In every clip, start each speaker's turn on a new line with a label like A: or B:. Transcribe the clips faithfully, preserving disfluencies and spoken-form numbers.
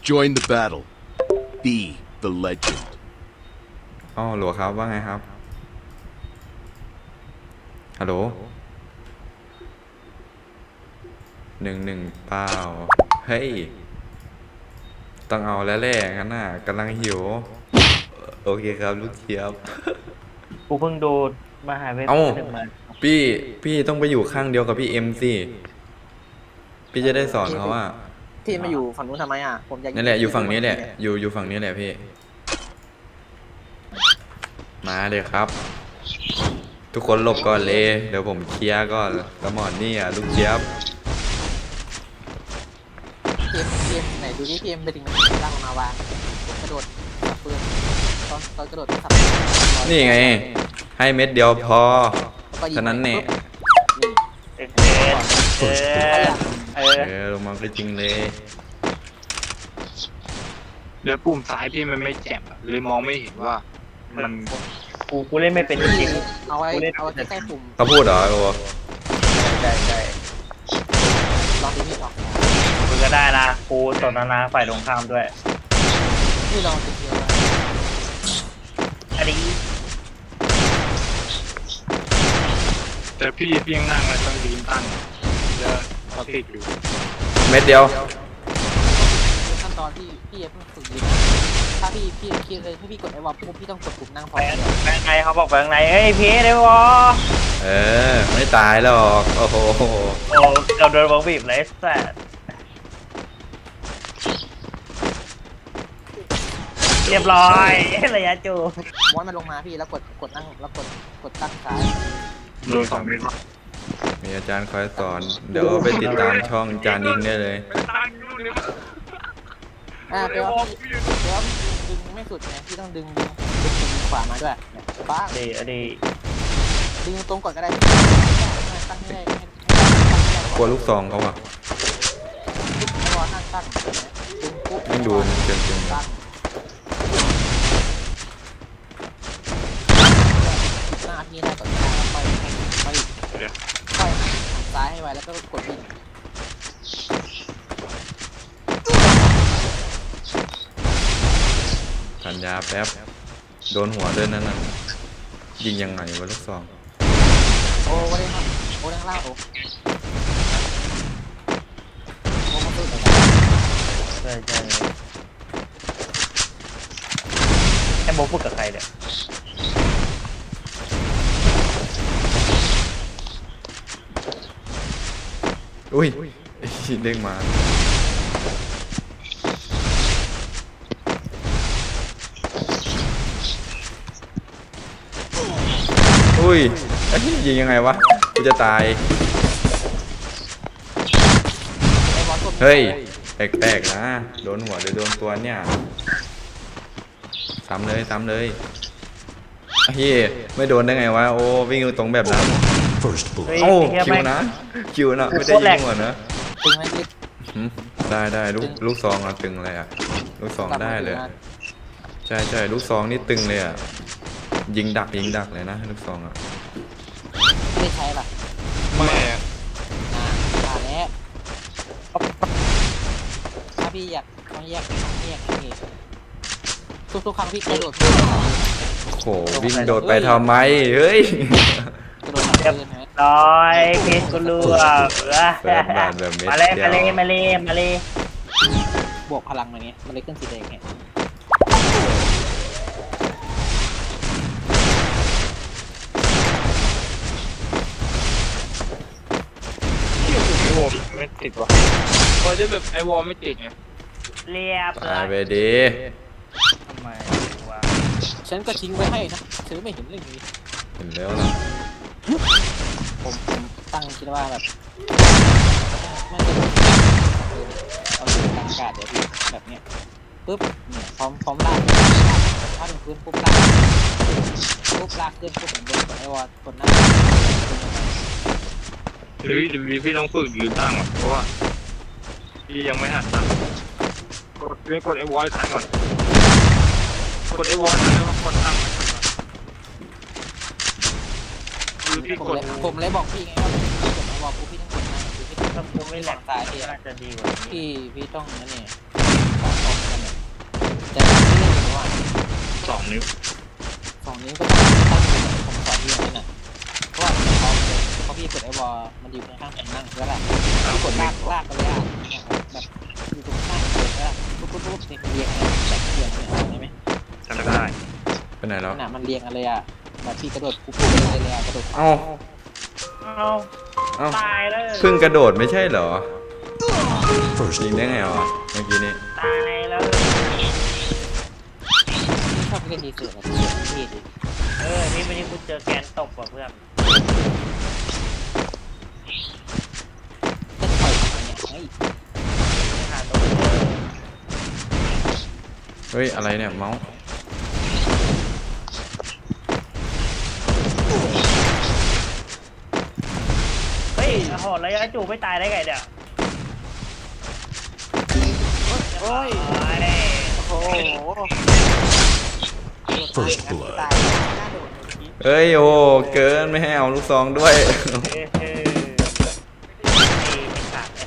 A: Join the battle. Be the legend.
B: อ๋อหลวครับว่าไงครับฮัลโหลหนึ่งหนึ่งเปล่าเฮ้ยต้องเอาแล้วแหละงั้นน่ะกำลังหิวโอเคครับลูกเจี๊ยบ
C: กูเพิ่งดูมหาเวท
B: เอ้า
C: หนึ่งมา
B: พี่พี่ต้องไปอยู่ข้างเดียวกับพี่เอ็มสิพี่จะได้สอนเขาว่า
D: พี่มาอยู่ฝั่งนู้นทำไมอ่ะผมอยาก
B: นั่นแหละอยู่ฝั่งนี้แหละอยู่อยู่ฝั่งนี้แหละพี่มาเลยครับ ทุกคนหลบก่อนเลยเดี๋ยวผมเคลียร์ก่อนแล้วหมอนนี่อ่ะลูกเจี๊ยบ
D: พีเอ็มพีเอ็มไหนดูดิพีเอ็มไปถึงล่างลงมาวางกระโดดสับปืนตอนตอนกระโดดสับ
B: นี่ไงให้เม็ดเดียวพอ
D: แล้วก็ยิง
B: ฉะนั้นเนี่ย
D: นี่
C: เอ็กเอเออเออ
B: เออลงมาก็จริงเลย
E: เดี๋ยวปุ่มซ้ายพี่มันไม่แจ่มอะเลยมองไม่เห็นว่ามัน
C: กูกูเล่นไม่เป็นจริง
D: เอาไว้เอาไว้ใกล้ๆปุ่ม
B: เขาพูดเหรอโอ้
C: ๆใช่ใช่
D: ลองดูพี่ออก
C: กูก็ได้นะกูสนทนาฝ่ายตรงข้ามด้วย
D: พี่ลองดูเดียว
C: อันนี้
E: แต่พี่พี่ยังนั่งมันต้องยืนตั้งจะเขาติดอยู่
B: เม็ดเดียว
D: ขั้นตอนที่พี่เอ็มฝึกยิงถ้าพี่พี่คิดเลยถ้าพี่กดไอ้วอลปุ๊บพี่ต้องกดปุ่มนั่งพร้อ
C: ไป
D: ม
C: ไปข้างในเขาบอกไปข้างในเฮ้ยพีได้วะ
B: เออไม่ตายหรอกโอ้โห
C: โอ้เกือบโดนบล็อกบีบเลยแซ่เรียบร้อยระยะจู
D: ม้วนมันลงมาพี่แล้วกดกดนั่งแล้วกดกดตั้งซ้าย
E: โดนสองเมตร
B: มีอาจารย์คอยสอนเดี๋ยวไปติดตามช่องจานยิงได้เลย
E: ตั้งอยู่เนี่ย
D: อ่าแปลว่าพี่แปลว่าดึงไม่สุดไงพี่ต้องดึงดึงดึงขวามาด้วยบ้าง
C: ดีอันนี้
D: ดึงตรงก่อนก็ได้ตั้งให้ได้ให้
B: กลัวลูกซองเขาอ่ะ
D: ให้วอลนั่งตั้งดึงปุ๊บ
B: ไม่ดูมันเกินจริง
D: ตั้งหน้าพี่ได้ก่อนหน้าแล้วค่อยค่อยค่อยหันซ้ายให้ไวแล้วก็กดวิ่ง
B: ทันยาแป๊บโดนหัวด้วยนั่นน่ะยิงยังไงวะลูกซอง
D: โอ้วันนี้ครับโอ้ด้านล่างโอ้โอ้มาตู้ไหน
C: ใช่ใช่ไอ้โบพูดกับใครเนี่ย
B: อุ้ยเด้งมาอุ้ยเอ้ยยิงยังไงวะกูจะตาย
D: ไอ้บอลตัว
B: เฮ้ยแปลกๆนะโดนหัวหรือโดนตัวเนี่ยซ้ำเลยซ้ำเลยเฮ้ยไม่โดนได้ไงวะโอ้วิ่งตรงแบบนั้น
A: First
C: เฮ้ย
A: blood.
B: เอ้า
C: ไอ้เหี้ย
B: คิว
C: แม่ง
B: นะคิวนะไม่ได้ยิงหัวนะ
D: ตึงไหมพี่
B: หืมได้ได้ลูกลูกซองอะตึงเลยอะลูกซองได้เลยใช่ใช่ลูกซองนี่ตึงเลยอะยิงดักยิงดักเลยนะลูกซองอะ
D: ไม่ใช้ป่ะ
E: แม่
D: อ่าอ่าแล้วถ้าพี่อยากต้องแยกต้องแยกนี่ทุกๆครั้งพี่กระโดด
B: โหวิ่งโดดไปทำไมเฮ้ย
D: กระโดดทับปืนไหม
C: ร้อยเคสกูรู้อ่ะ
B: เปิดบ้านแบบเม็ด
C: มาเลย
B: เดี
C: มาเลย
B: ยว
C: มาเลยมาเลย
D: บวกพลังมาเนี้ยมันเลยขึ้นสีแดงเนี่ย
E: ไอวอลไม่ติดว่ะพอจะแบบไอวอลไม่ติดไง
C: เรียบ
B: ตายไป
C: ร้อย
B: ดี
C: ทำไมวะ
D: ฉันก็ทิ้งไว้ให้นะเธอไม่เห็นเรื่องนี้
B: เห็นแล้วนะ
D: ผมผมตั้งคิดว่าแบบไม่จะเอาดูบรรยากาศเดี๋ยวพี่แบบเนี้ยปุ๊บเนี่ยพร้อมพร้อมลากถ้าถึงพื้นปุ๊บลากปุ๊บลากขึ้นปุ๊บผมโดนกดไอวอลกดหน้า
E: หรือหรือพี่ต้องฝึกยืนตั้งอ่ะเพราะว่าพี่ยังไม่หัดตั้งกดพี่กดไอวอลทันก่อนกดไอวอลทันแล้วก็กดตั้งคือพี่
D: ผม
E: กด
D: เลยผมเลยบอกพี่ไงว่าพี่กดไอวอลปุ๊บพี่ต้องกดหน้าคือพี่ต้อง
C: ถ้ากูไม่แหลก
D: ตายพี่
C: น่าจะดีกว่านี้
D: พี่พี่ต้องนั่นเนี่ยต้อง
E: องนิ้ว
D: สองนิ้วก็ต้องตั้งอยู่ผมสอนพี่อย่างนั้นน่ะเพราะว่าพอพอพี่กดไอวอลมันอยู่ข้างๆผมนั่งแล้วล่ะพี่กดลากลากไปเลยอ่ะแบบอยู่ตรงข้างผมแล้วปุ๊บปุ๊บปุ๊บนี่เรียงอะไรแบบเรียงเนี่ยได้ไหม
E: จำได้
B: ไปไหนแล้ว
D: ขนาดมันเรียงกันเลยอ่ะแบบพี่กระโดดปุ๊บปุ๊บเลยเลยอ่ะกระโดด
B: เอ้า
C: เอา
B: เอ้า
C: ตายเลย
B: เพิ่งกระโดดไม่ใช่เหรอยิงได้ไงวะเมื่อกี้นี้
C: ตายแล้ว
D: พี่ชอบเล่นดีสุดนะพี่พี่ดิ
C: เออนี่วันนี้กูเจอแกนตกว่ะเพื่อน
D: จะปล่อยทำไมเนี่ยเฮ้ย
C: หาตัวเจอ
B: เฮ้ยอะไรเนี่ยเมาส์
C: เฮ้ยโอ้โหระยะจูบไม่ตายได้ไงเนี่ย
D: โอ้ย
C: ตายเลย
D: โอ้โห
A: First blood
D: ตายหน้าโดดเมื่อกี้
B: เฮ้ยโอ้เกินไม่ให้เอาลูกซองด้วย
C: เออเออไอ้ขาดไอ้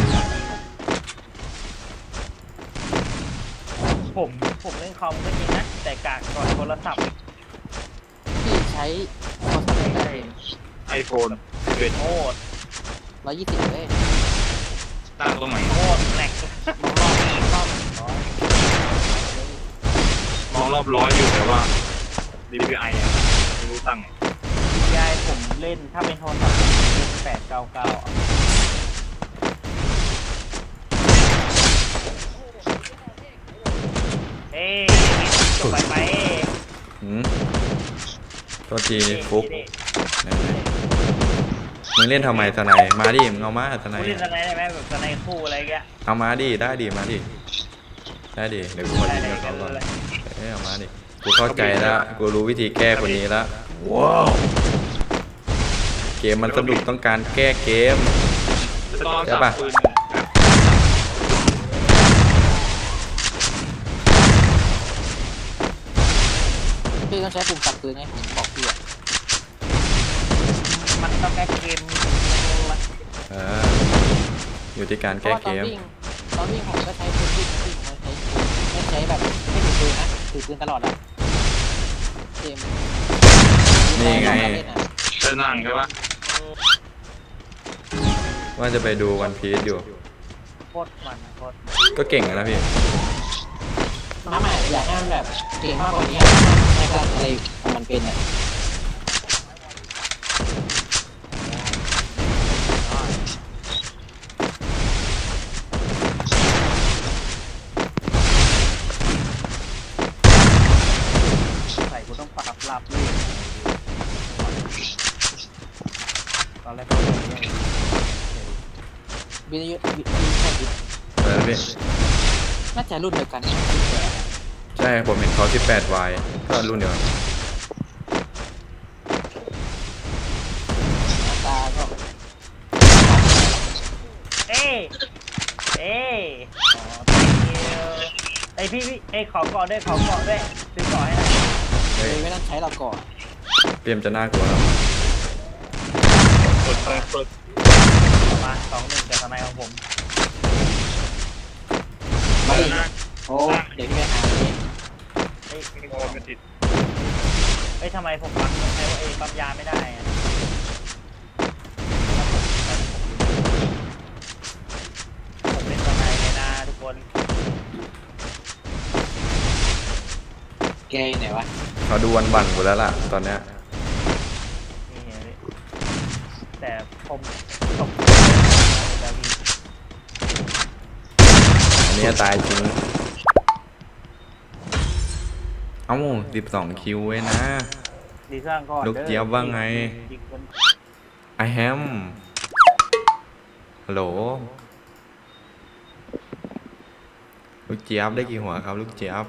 C: ขาดผมผมเล่นคอมก็จริงนะแต่กากก่อนโทรศัพท์
D: พี่ใช้โทรศัพท์ได้
E: ไอโฟนเป็น
C: โคตร
D: ร้อยยี่สิบเลย
E: ตั้งตรงไหน
C: โคตรแหลก
D: มองรอบรอบร้อย
E: มองรอบร้อยอยู่แต่ว่า ดี พี ไอ อ่ะไม่รู้ตั้งไง
C: ยายผมเล่นถ้าเป็นโทรศัพท์ผมเล่นแปดเก้าเก้าเอ้ยจบไปไป
B: หืมตัวจีฟุกไหนๆมึงเล่นทำไมสไนด์มาดิมึงเอามาสไน
C: กู
B: ด์
C: เล่นสไนด์ได้ไหมแบบสไนด์คู่อะไรเงี้ย
B: เอามาดิได้ดิมาดิได้ดิเดี๋ยวกูขอ
C: ได้
B: ยิง
C: ได้
B: กับเขาก่อน
C: เลย
B: เอ้ยเอามาดิกูเข้าใจแล้วกูรู้วิธีแก้คนนี้แล้ว
A: ว้าว
B: เกมมันสนุกต้องการแก้เกม
E: ตอน
B: ใช่
E: จับ
B: ปะ
E: ปืน
D: พี่ต้องใช้ปุ่มตัดปืนไงผมบอกพี่อ่ะ
C: มันต้องแก้เกม
B: เอออยู่ที่การ
D: เพราะ
B: แก้
D: ว่าต
B: เก
D: อน
B: ม
D: วิ่งตอนวิ่งผมก็ใช้ปืนวิ่งวิ่งไม่ใช้ปืนไม่ใช้แบบไม่ถือปืนนะถือปืนตลอดอ่ะเกม
B: นี่ไง
E: จะนั่งใช่ปะ
B: ว่าจะไปดูวันพีซอยู่
C: โคตรมันโคตร
B: ก็เก่งนะพี่
D: น้ำอ่ะอยากให้มันแบบเก่งมากกว่านี้ให้ก็อะไรของมันเป็นอ่ะ
C: ใส่กูต้องปรับหลับเลยตอนแรกก็ไม่ได้
D: วิทยุวิทยุใช่วิท
B: อะไรนะพี่
D: น่าจะรุ่นเดียวกัน
B: ใช่ผมเห็นเขาสิบแปดวายก็รุ่นเดียวกัน
D: หน้าตาก็
C: เอ้ยเอ้ยอ๋อ thank you ไอพี่พี่ไอยขอเกาะด้วยขอเกาะด้วยซื้อเกาะให้หน่อย
B: เฮ้ย
D: ไม่ต้องใช้เราก่อน
B: เตรียมจะน่ากลัวแล้ว
E: เปิดเปิดเปิด
C: มาสองหนึ่งจากทนายของผม
D: มาดิ
E: นะ
D: โอ้เดี๋ยวพี่ไปหาเอง
C: เอ้ย
E: โอ้ไม่ติด
C: เอ้ยทำไมผมปั๊มใช้ว่าเอ้ปั๊มยาไม่ได้อะผมเป็นทนายเลยนะทุกคน
D: แกอยู่ไหนวะ
B: เขาดูวันบันกูแล้วล่ะตอนเนี้ย
C: นี่ไงพี่แต่ผมตกแล้วพี่
B: อันนี้ตายจริงเอ้าสิบสองคิวเว้ยนะ
C: ดีสร้างก่อน
B: ลูกเจี๊ยบว่าไง
C: ยิงคน
B: I am ฮัลโหลลูกเจี๊ยบได้กี่หัวครับลูกเจี๊ยบ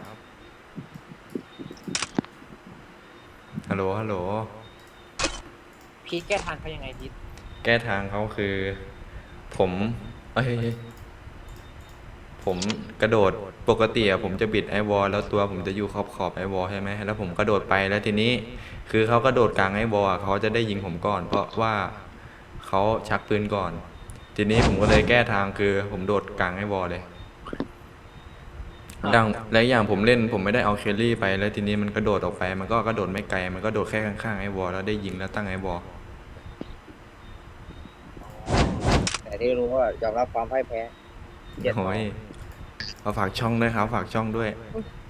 B: ฮัลโหลฮัลโหล
D: พี่แก้ทางเขายังไงดิ
B: แก้ทางเขาคือ ผมเอ้ยเอ้ยผมกระโดดปกติอะผมจะบิดไอวอลแล้วตัวผมจะอยู่ขอบขอบไอวอลใช่ไหมแล้วผมกระโดดไปแล้วทีนี้ คือเขากระโดดกลางไอวอลอะเขาจะได้ยิงผมก่อน เพราะว่าเขาชักปืนก่อน ทีนี้ผมก็เลยแก้ทางคือ ผมโดดกลางไอวอลเลยดังและอย่างผมเล่นผมไม่ได้เอาเคลลี่ไปแล้วทีนี้มันกระโดดออกไป มันก็กระโดดไม่ไกลมันก็โดดแค่ข้างๆไอ้วอลแล้วได้ยิงแล้วตั้งไอ้วอล
F: แต่ที่รู้ว่ายอมรับความพ่ายแพ้เจ็ด
B: โอ้ยเอาฝากช่องด้วยครับฝากช่องด้วย